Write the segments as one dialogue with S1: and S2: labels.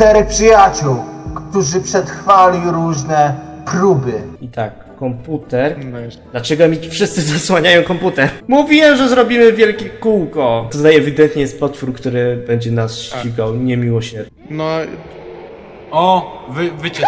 S1: 4 przyjaciół, którzy przetrwali różne próby.
S2: I tak, komputer. Dlaczego mi wszyscy zasłaniają komputer? Mówiłem, że zrobimy wielkie kółko. Tutaj ewidentnie jest potwór, który będzie nas ścigał niemiłosiernie.
S3: No,
S4: O, wyciec.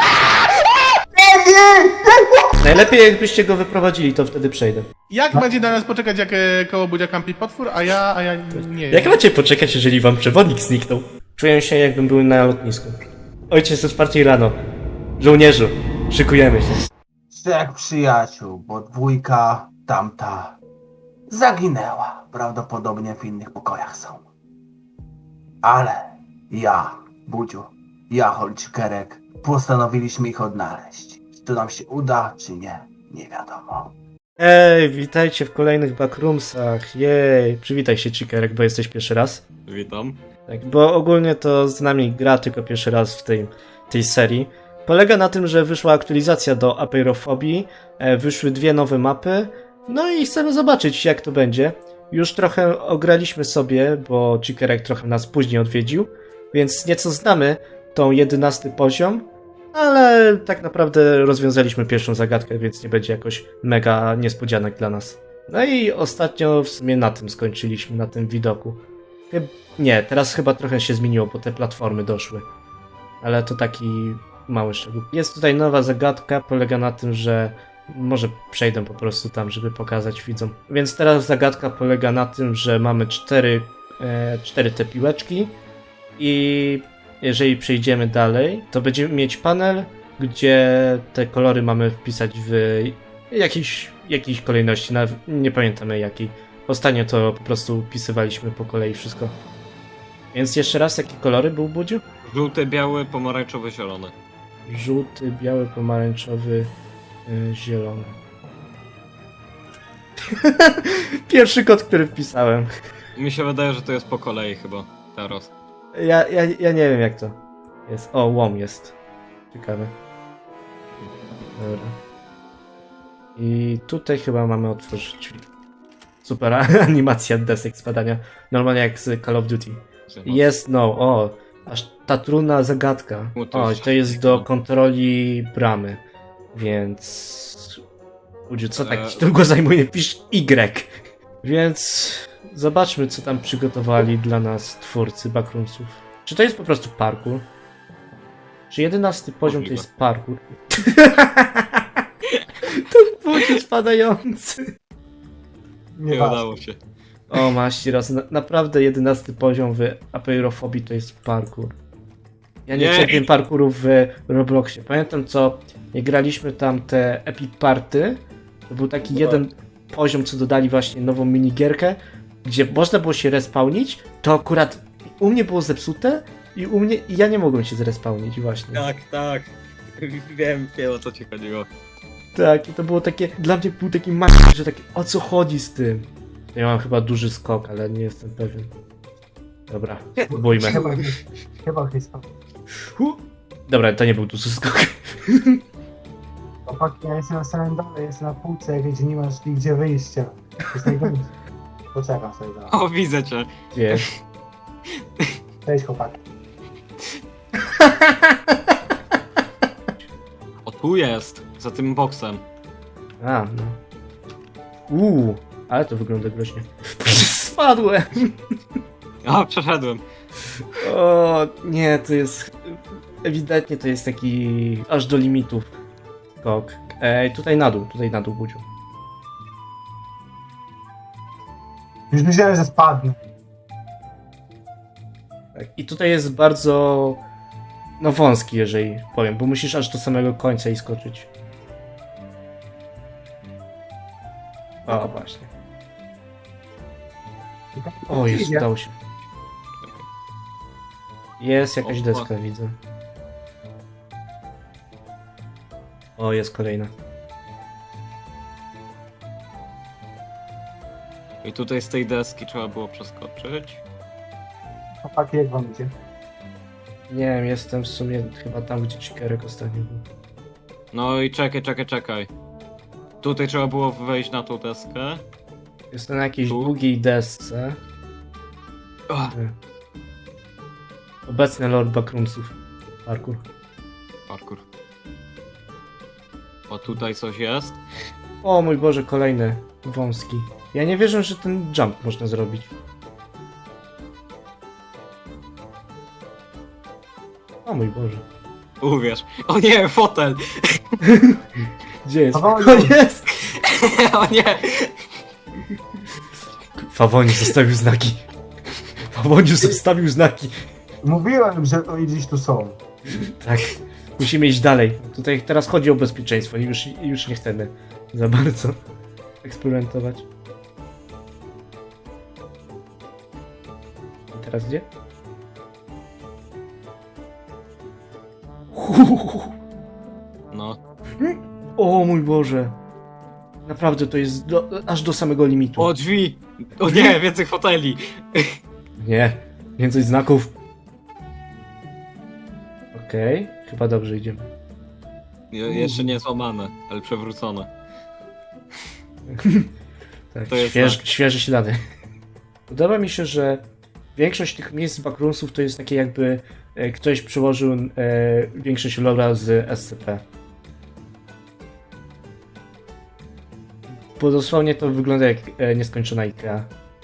S2: Najlepiej jakbyście go wyprowadzili, to wtedy przejdę.
S3: jak będzie na nas poczekać, jak koło budzia kampi potwór, a ja nie
S2: Jak macie poczekać, jeżeli wam przewodnik zniknął? Czuję się, jakbym był na lotnisku. Ojciec o 4 rano. Żołnierzu, szykujemy się.
S1: 3 przyjaciół, bo 2 tamta zaginęła. Prawdopodobnie w innych pokojach są. Ale ja, Budziu, ja, Holcikerek, postanowiliśmy ich odnaleźć. Czy to nam się uda, czy nie, nie wiadomo.
S2: Ej, witajcie w kolejnych backroomsach. Jej, przywitaj się, Cikerek, bo jesteś pierwszy raz.
S4: Witam.
S2: Tak, bo ogólnie to z nami gra tylko pierwszy raz w tej serii. Polega na tym, że wyszła aktualizacja do Apeirofobii, wyszły 2 nowe mapy, no i chcemy zobaczyć, jak to będzie. Już trochę ograliśmy sobie, bo Cikerek trochę nas później odwiedził, więc nieco znamy tą 11 poziom, ale tak naprawdę rozwiązaliśmy pierwszą zagadkę, więc nie będzie jakoś mega niespodzianek dla nas. No i ostatnio w sumie na tym skończyliśmy, na tym widoku. Nie, teraz chyba trochę się zmieniło, bo te platformy doszły. Ale to taki mały szczegół. Jest tutaj nowa zagadka, polega na tym, że może przejdę po prostu tam, żeby pokazać widzom. Więc teraz zagadka polega na tym, że mamy 4 te piłeczki i jeżeli przejdziemy dalej, to będziemy mieć panel, gdzie te kolory mamy wpisać w jakiejś kolejności, nie pamiętamy jakiej. Ostatnio to po prostu wpisywaliśmy po kolei wszystko. Więc jeszcze raz, jakie kolory był, Budziu?
S4: Żółty, biały, pomarańczowy, zielony.
S2: Żółty, biały, pomarańczowy, zielony. Pierwszy kod, który wpisałem.
S4: Mi się wydaje, że to jest po kolei chyba. Teraz.
S2: Ja nie wiem, jak to jest. O, łom jest. Ciekawe. Dobra. I tutaj chyba mamy otworzyć drzwi. Super animacja desek spadania. Normalnie jak z Call of Duty. Jest, no, o. Aż ta trudna zagadka. O, to jest do kontroli bramy. Więc... Ludzie, co tak ci długo zajmuje? Pisz Y. Więc... Zobaczmy, co tam przygotowali dla nas twórcy backroomsów. Czy to jest po prostu parkour? Czy 11 poziom to jest parkour? To budziu spadający.
S4: Nie udało się.
S2: O, maści raz. Naprawdę 11 poziom w Apeirofobii to jest parkour. Ja nie cierpię parkourów w Robloxie. Pamiętam, co jak graliśmy tam te Epic Party, to był taki jeden poziom, co dodali właśnie nową minigierkę, gdzie można było się respawnić, to akurat u mnie było zepsute i ja nie mogłem się zrespawnić właśnie.
S4: Tak. Wiem o co ci chodziło.
S2: Tak, i to było takie, dla mnie był taki że takie, o co chodzi z tym? Ja mam chyba duży skok, ale nie jestem pewien. Dobra, spróbujmy.
S1: Chyba chyba.
S2: Dobra, to nie był duży skok.
S1: Chłopaki, ja jestem na samym dole, jestem na półce, gdzie nie masz gdzie wyjścia. To jest najgorsze. Poczekam sobie za.
S4: O, widzę cię.
S2: Wiesz.
S1: Cześć chłopaki.
S4: O, tu jest. Za tym boksem.
S2: A, no. Ale to wygląda groźnie. Spadłem!
S4: O, przeszedłem.
S2: O, nie, to jest... Ewidentnie to jest taki aż do limitów skok. Tutaj na dół, Budziu.
S1: Już myślałem, że spadnę.
S2: Tak. I tutaj jest bardzo... no wąski, jeżeli powiem, bo musisz aż do samego końca i skoczyć. O, właśnie. O, jest, udało się. Jest jakaś deska, widzę. O, jest kolejna.
S4: I tutaj z tej deski trzeba było przeskoczyć.
S1: Chłopaki, jak wam idzie?
S2: Nie wiem, jestem w sumie chyba tam, gdzie Cikerek ostatnio był.
S4: No i czekaj. Tutaj trzeba było wejść na tą deskę.
S2: Jestem na jakiejś
S4: Tu?
S2: długiej desce.
S4: O,
S2: Obecny Lord Backroomsów. Parkour.
S4: Parkour. O, tutaj coś jest.
S2: O mój Boże, kolejny wąski. Ja nie wierzę, że ten jump można zrobić. O mój Boże.
S4: Uwierz. O nie, fotel!
S2: Gdzie jest?
S1: Fawoniu.
S2: O, jest!
S4: O nie!
S2: Fawoniu zostawił znaki. Fawoniu zostawił znaki.
S1: Mówiłem, że oni gdzieś tu są.
S2: Tak. Musimy iść dalej. Tutaj teraz chodzi o bezpieczeństwo. Już nie chcemy za bardzo eksperymentować. I teraz gdzie?
S4: No.
S2: O mój Boże. Naprawdę to jest aż do samego limitu.
S4: O, drzwi! O nie, więcej foteli!
S2: Nie, więcej znaków. Okej, chyba dobrze idziemy.
S4: Jeszcze nie złamane, ale przewrócone.
S2: Tak,
S4: To jest
S2: świeże ślady. Podoba mi się, że większość tych miejsc backroomsów to jest takie jakby ktoś przyłożył większość lora z SCP. Bo dosłownie to wygląda jak nieskończona IKEA.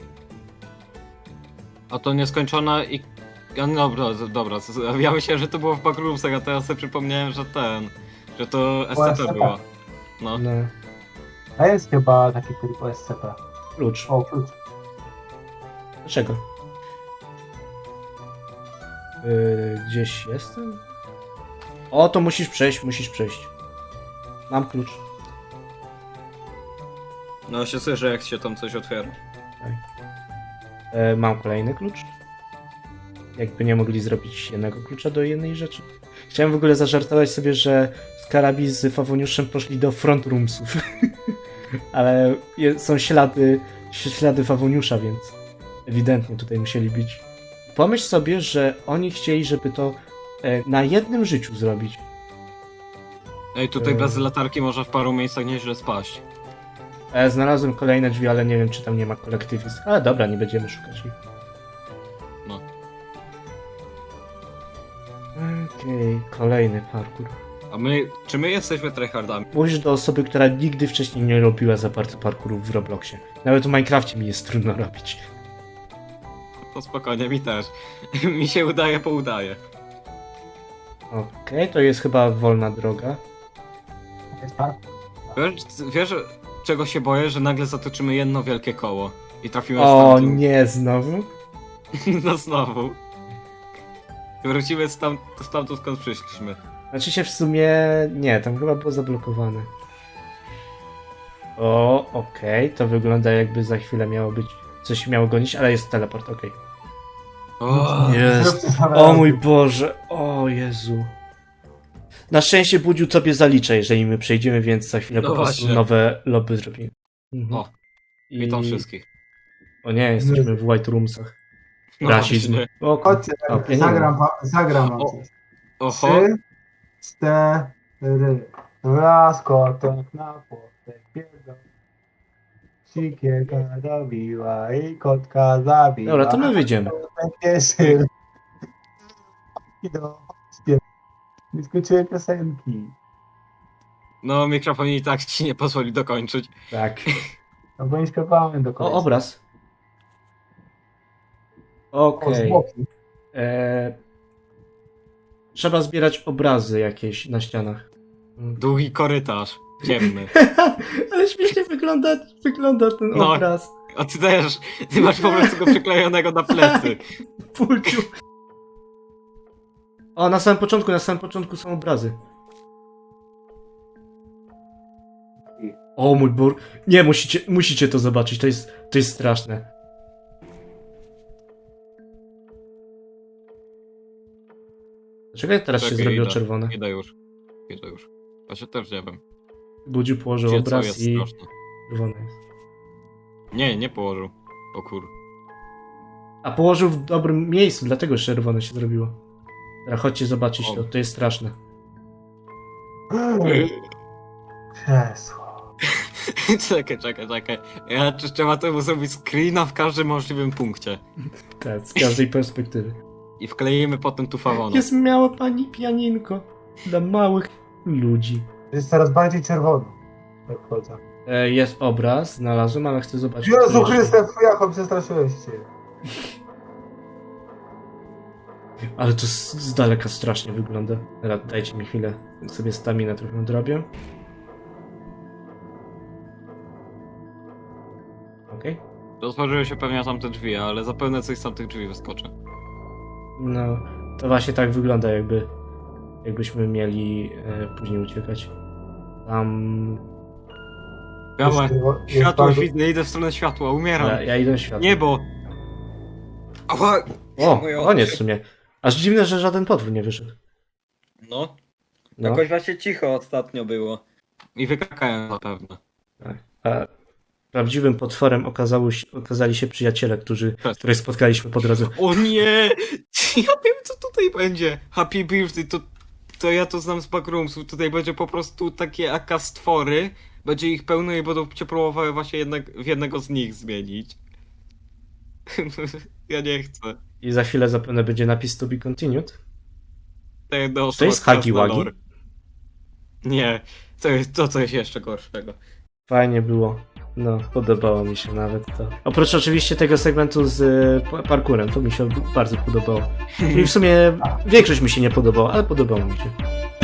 S4: A to nieskończona i... Ja, no, dobra, ja myślałem, że to było w backroomsach, a teraz sobie przypomniałem, że że to SCP było. No.
S2: No,
S1: A jest chyba taki tylko SCP.
S2: klucz.
S1: O, klucz.
S2: Dlaczego? Gdzieś jestem? O, to musisz przejść. Mam klucz.
S4: No się słyszę, jak się tam coś otwiera.
S2: Mam kolejny klucz. Jakby nie mogli zrobić jednego klucza do jednej rzeczy. Chciałem w ogóle zażartować sobie, że Skarabi z Fawoniuszem poszli do front roomsów. Ale są ślady Fawoniusza, więc ewidentnie tutaj musieli być. Pomyśl sobie, że oni chcieli, żeby to na jednym życiu zrobić.
S4: Ej, tutaj bez latarki można w paru miejscach nieźle spaść.
S2: Znalazłem kolejne drzwi, ale nie wiem, czy tam nie ma kolektywizm. Ale dobra, nie będziemy szukać ich.
S4: No.
S2: Okej, kolejny parkour.
S4: A czy my jesteśmy tryhardami?
S2: Mówisz do osoby, która nigdy wcześniej nie robiła za bardzo parkourów w Robloxie. Nawet w Minecrafcie mi jest trudno robić.
S4: To spokojnie, mi też. Mi się udaje,
S2: Okej, to jest chyba wolna droga.
S1: Jest tak?
S4: Wiesz, czego się boję? Że nagle zatoczymy jedno wielkie koło. I trafimy
S2: O
S4: stamtąd.
S2: nie, znowu?
S4: No znowu. Wrócimy stamtąd, skąd przyszliśmy.
S2: Znaczy się w sumie... Nie, tam chyba było zablokowane. O, okej, to wygląda jakby za chwilę miało być... Coś miało gonić, ale jest teleport, okej.
S4: O,
S2: Jest. O mój Boże, o Jezu. Na szczęście Budziu tobie zaliczę, jeżeli my przejdziemy, więc za chwilę
S4: No
S2: po prostu
S4: właśnie.
S2: nowe lobby zrobimy. Mhm.
S4: O, witam wszystkich.
S2: O nie, jesteśmy w White Roomsach.
S4: No
S2: Rasizm.
S4: właśnie.
S2: O,
S1: Chodźcie,
S2: o, pieniądze.
S1: zagram wam
S4: O.
S1: coś.
S4: Oho.
S1: 3, 4. Raz kotek na płotek biegał. Sikieka dobiła i kotka zabiła.
S2: Dobra, to my wyjdziemy.
S1: Kotek pieszy. I do śpiew. Nie skończyłem piosenki.
S4: No, mikrofon i tak ci nie pozwoli dokończyć.
S2: Tak.
S1: No bo nie śpiewałem do
S2: O,
S1: końca.
S2: obraz.
S1: O,
S2: Okej.
S1: zwłoki.
S2: Trzeba zbierać obrazy jakieś na ścianach.
S4: Długi korytarz. Ciemny.
S2: Ale śmiesznie wygląda ten
S4: No.
S2: obraz.
S4: A ty też. Ty masz po prostu go przyklejonego na plecy.
S2: Pulciu. O, na samym początku są obrazy. O mój Bóg. Nie, musicie to zobaczyć, to jest straszne. Dlaczego teraz się
S4: Czekaj,
S2: zrobiło
S4: idę.
S2: czerwone?
S4: Idę już. Ja się też nie wiem.
S2: Budziu położył
S4: Gdzie co
S2: obraz
S4: jest
S2: i
S4: straszne.
S2: czerwone jest.
S4: Nie położył. O kur...
S2: A położył w dobrym miejscu, dlatego czerwone się zrobiło. Teraz chodźcie zobaczyć
S4: O.
S2: to jest straszne.
S1: Krzesło.
S4: Czekaj. Trzeba temu zrobić screena w każdym możliwym punkcie.
S2: Tak, z każdej perspektywy.
S4: i wkleimy potem tu fawona.
S2: Jest miała pani pianinko dla małych ludzi.
S1: Jest coraz bardziej czerwony. Jak chodzę.
S2: Jest obraz, znalazłem, ale chcę zobaczyć.
S1: Jezu
S2: co jeszcze.
S1: Chryste, fujacho, przestraszyłeś się.
S2: Ale to z daleka strasznie wygląda. Teraz dajcie mi chwilę, sobie staminę trochę odrobię. Okej.
S4: Otworzyły się pewnie tamte drzwi, ale zapewne coś z tamtych drzwi wyskoczy.
S2: No, to właśnie tak wygląda, jakbyśmy mieli później uciekać. Tam...
S4: Gałę,
S1: Jest
S4: światło
S1: bardzo-
S4: widzę, idę w stronę światła, umieram.
S2: Ja idę w świat.
S4: Niebo! Ała!
S2: O,
S4: Moje
S2: koniec
S4: oczy.
S2: w sumie. Aż dziwne, że żaden potwór nie wyszedł.
S4: No,
S2: No.
S4: jakoś właśnie cicho ostatnio było. I wykakałem zapewne.
S2: A prawdziwym potworem okazali się przyjaciele, których spotkaliśmy po drodze.
S4: O nie! Ja wiem co tutaj będzie. Happy Birthday, to ja to znam z backroomsów. Tutaj będzie po prostu takie AK stwory. Będzie ich pełno i będą cię próbowały właśnie w jednego z nich zmienić. Ja nie chcę.
S2: I za chwilę zapewne będzie napis to be continued.
S4: To jedna
S2: To
S4: osoba
S2: jest
S4: teraz
S2: Huggy
S4: na
S2: Wuggy?
S4: lore. Nie, to jest to coś jeszcze gorszego.
S2: Fajnie było. No, podobało mi się nawet to. Oprócz oczywiście tego segmentu z parkurem, to mi się bardzo podobało. I w sumie większość mi się nie podobała, ale podobało mi się.